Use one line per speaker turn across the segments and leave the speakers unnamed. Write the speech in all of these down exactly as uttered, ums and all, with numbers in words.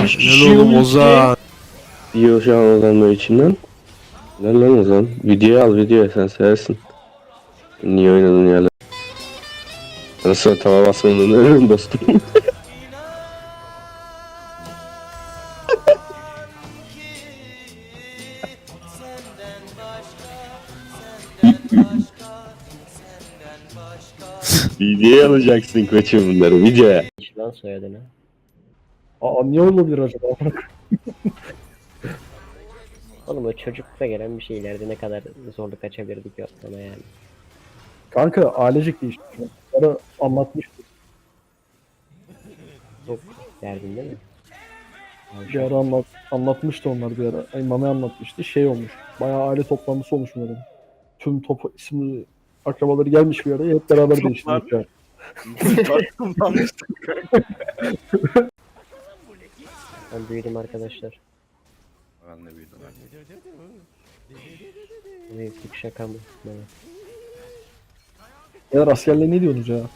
Kaç
Helal
kişi
oğlum
ulti
Ozan.
diyor şu an Ozan böyle içinden. Lan lan Ozan. Videoyu al videoya sen seversin. Niye oynadın ya lan? Sana sonra tava basmadığını ölürüm dostum. Videoya alacaksın koçum bunları videoya.
Hiç lan soyadını.
Aa niye olabilir acaba?
Oğlum o çocuklukta gelen bir şey ileride ne kadar zorluk açabilirdik ya sana yani.
Kanka ailecek değişti. Bana anlatmıştı.
Çok derdin değil mi?
Bir ara anlat, anlatmıştı onlar bir ara. Ay, Mami anlatmıştı. Şey olmuş. Bayağı aile toplantısı olmuş bunların. Tüm top isimli akrabaları gelmiş bir araya. Hep beraber değiştirmişler.
Ben büyüdüm arkadaşlar.
Ben de büyüdüm.
Bu büyüklük şaka mı? Evet.
Ya askerle ne diyorsunuz ya?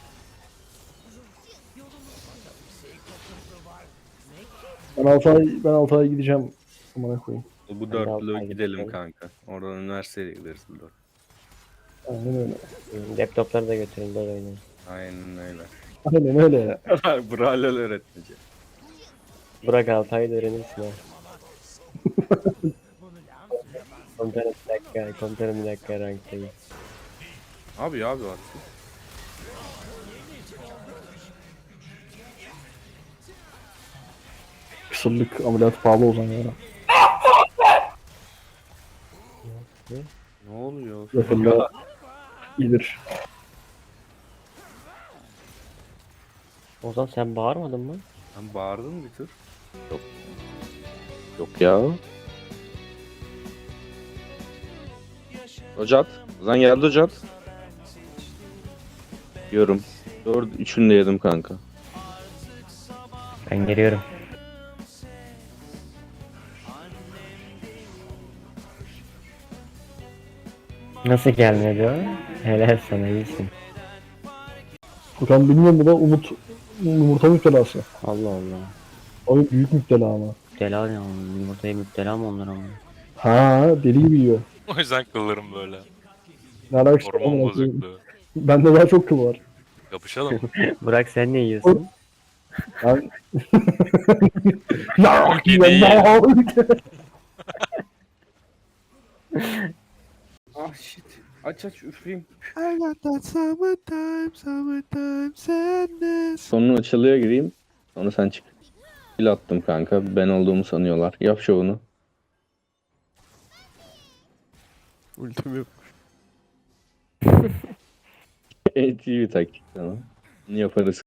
Ben altı ay, ben altı ay gideceğim. Amına koyayım.
Bu
Ben de
dörtlü
altı ay
gidelim
gideceğim.
kanka. Oradan üniversiteye gideriz bu dört.
Aynen öyle.
Hmm, Laptopları da götürün böyle oynayın.
Aynen öyle.
Aynen öyle ya.
Braille öğretmeci.
Burak altı ayda öğrenirsin ha. Komutanım bir dakika, komutanım bir dakika ranktayım.
Abi abi bak.
Kısırlık ameliyatı pahalı o zaman ya.
Ne oluyor?
Yakında gelir.
Ozan sen bağırmadın mı?
Sen bağırdın bir tür.
Yok ya. Hocat. Ozan geldi Hocat. Diyorum. Dört üçünü de yedim kanka.
Ben geliyorum. Nasıl gelmedi o? Helal sana iyisin.
Furkan bilmiyorum bu da Umut yumurta müptelası.
Allah Allah.
Abi büyük müptela ama.
Müptela ne oğlum? Yumurtaya müptela mı onlar ama?
Ha deli gibi yiyor.
O yüzden kıllarım böyle.
Ne alakası var
Hormon
amına koyayım?
bozukluğu.
Bende daha çok kıl var.
Yapışalım.
Burak sen ne yiyorsun?
Ben...
Çok iyi değil.
Ah shit. Aç aç üfleyeyim.
Sonunu açılıya gireyim. Sonra sen çık. Kill attım kanka. Ben olduğumu sanıyorlar. Yap şovunu.
Ultim yok.
En iyi bir taktik tamam. Bunu yaparız.